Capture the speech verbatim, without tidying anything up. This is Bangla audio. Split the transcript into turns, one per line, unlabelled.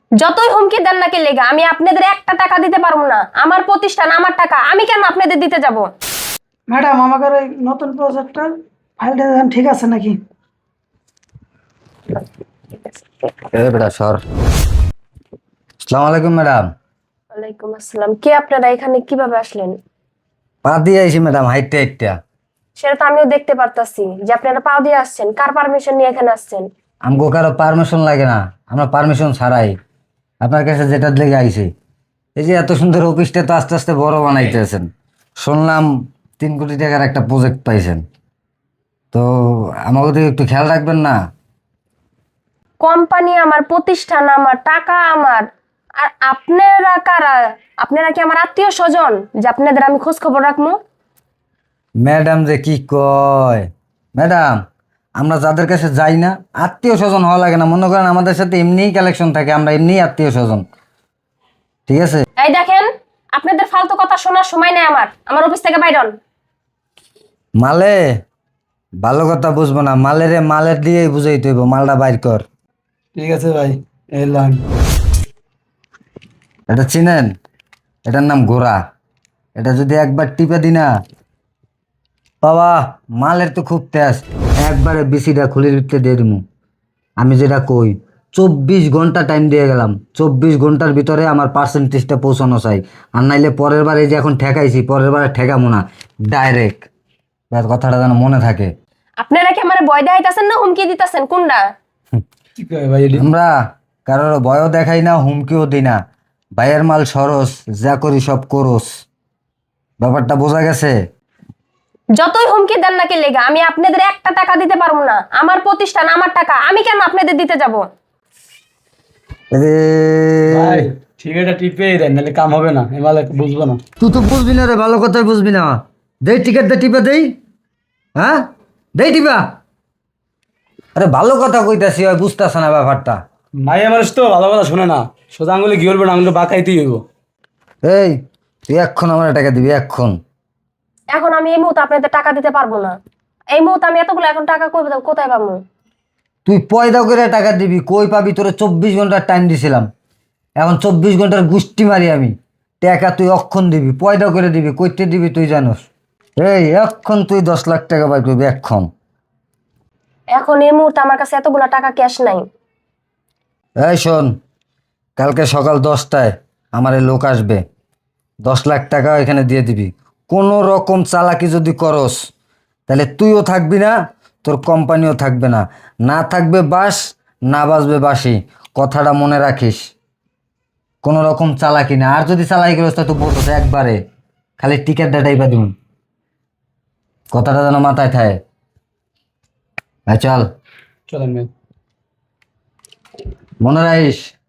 যতই হুমকি দেন নাকি লেগা আমি আপনাদের একটা টাকা দিতে পারবো না। আমার প্রতিষ্ঠান, আমার টাকা, আমি কেন আপনাদের দিতে যাব?
ম্যাডাম, আমাদের ওই নতুন প্রজেক্টর ফাইলটা দেন, ঠিক আছে নাকি?
এ বেটা সর। আসসালামু আলাইকুম ম্যাডাম।
ওয়ালাইকুম আসসালাম। কে আপনারা? এখানে কিভাবে আসলেন?
পা দিয়ে আইছি ম্যাডাম, হাইটটা হাইটটা।
সেটা তো আমিও দেখতে পারতাছি যে আপনারা পা দিয়ে আসছেন। কার পারমিশন নিয়ে এখানে আসছেন?
আমগো কারো পারমিশন লাগে না, আমরা পারমিশন ছাড়াই আপনার কাছে যেটা লেগে আইছি। এই যে এত সুন্দর অফিসটা তো আস্তে আস্তে বড় বানাইতেছেন, শুনলাম তিন কোটি টাকার একটা প্রজেক্ট পাইছেন, তো আমাকে তো একটু খেয়াল রাখবেন না?
কোম্পানি আমার, প্রতিষ্ঠান আমার, টাকা আমার। আর আপনারা কারা? আপনারা কি আমার আত্মীয় স্বজন যে আপনাদের আমি খোঁজ খবর রাখবো?
ম্যাডাম যে কি কয় ম্যাডাম, আমরা যাদের কাছে যাই না আত্মীয় স্বজন হওয়া লাগে না, মনে করেন আমাদের সাথে এমনিই কালেকশন থাকে, আমরা এমনিই আত্মীয় স্বজন, ঠিক আছে?
এই দেখেন, আপনাদের ফালতু কথা শোনার সময় নেই আমার। আমার অফিস থেকে বাইর হন।
মালে ভালো কথা বুঝবো না, মালেরে মালের দিয়েই বুঝাইতে হইব, মালটা বাইর কর।
ঠিক আছে ভাই, এলাম।
এটা চিনেন? এটার নাম ঘোড়া। এটা যদি একবার টিপে দি না বাবা, মালের তো খুব তেজ, একবারে বিসিটা খুলির ভিতরে দিয়ে দিমু। আমি যেটা কই, চব্বিশ ঘন্টা টাইম দিয়ে গেলাম, চব্বিশ ঘন্টার ভিতরে আমার পার্সেন্টেজটা পৌঁছানো চাই। আর নাইলে পরের বার এই যে এখন ঠেকাইছি, পরের বারে ঠেকামো না, ডাইরেক্ট। কথাটা যেন মনে থাকে।
আপনারা কি আমার ভয় দেখাইতেছেন না হুমকি দিতেছেন? কোনটা?
কি কয় ভাই এডি?
আমরা কারোর ভয়ও দেখাই না, হুমকিও দিই না। ভাইয়ের মাল সরস, যা করি সব করস। ব্যাপারটা বোঝা গেছে?
যতই হুমকি দেন নাকি লেগা আমি আপনাদের একটা টাকা দিতে পারবো না। আমার প্রতিষ্ঠান, আমার টাকা, আমি কেন আপনাদের দিতে যাব?
এরে,
ভাই ঠিক আছে, টিপে দেন, নাহলে কাম হবে না, এমালে বুঝবো না।
তুই তো বুঝবি না রে, ভালো কথাই বুঝবি না। দেই টিকিট দে, টিপা দেই। হ্যাঁ, দেই টিপা। আরে ভালো কথা কইতাছি, ওই বুঝতেছ না ব্যাপারটা।
মাইয়া মানুষ তো ভালো কথা শুনে না, সোজা আঙুলে কি বলবো না, আঙুলে বাঁকাইতেই হইব।
এই তুই এক্ষণ আমার টাকা দিবি, এক্ষণ।
এখন আমি এই মুহূর্তে আপনাদের টাকা দিতে পারবো না। এই মুহূর্তে আমি এতগুলো এখন টাকা কই পাবো- কোথায় পাবো?
তুই পয়দা করে টাকা দিবি, কই পাবি? তোরে চব্বিশ ঘন্টার টাইম দিছিলাম, এখন চব্বিশ ঘন্টার গুষ্টি মারি আমি। টাকা তুই অক্ষণ দিবি, পয়দা করে দিবি, কইতে দিবি তুই জানোস। এই এক্ষণ তুই দশ লাখ টাকা বাই করবি, এক্ষণ।
এখন এই মুহূর্তে আমার কাছে এতগুলো টাকা ক্যাশ নাই।
এই শোন, কালকে সকাল দশটায় আমার এই লোক আসবে, দশ লাখ টাকা এখানে দিয়ে দিবি। কোনো রকম চালাকি যদি করস তাহলে তুইও থাকবি না, তোর কোম্পানিও থাকবে না। না থাকবে বাস, না বাজবে বাসি, কথাটা মনে রাখিস। কোনো রকম চালাকি না, আর যদি চালাকি করিস তা তো বলতো একবারে খালি টিকিট ডাটাই বা দিন, কথাটা যেন মাথায় থাকে। ভাই চল,
চলেন ভাই।
মনে রাখিস।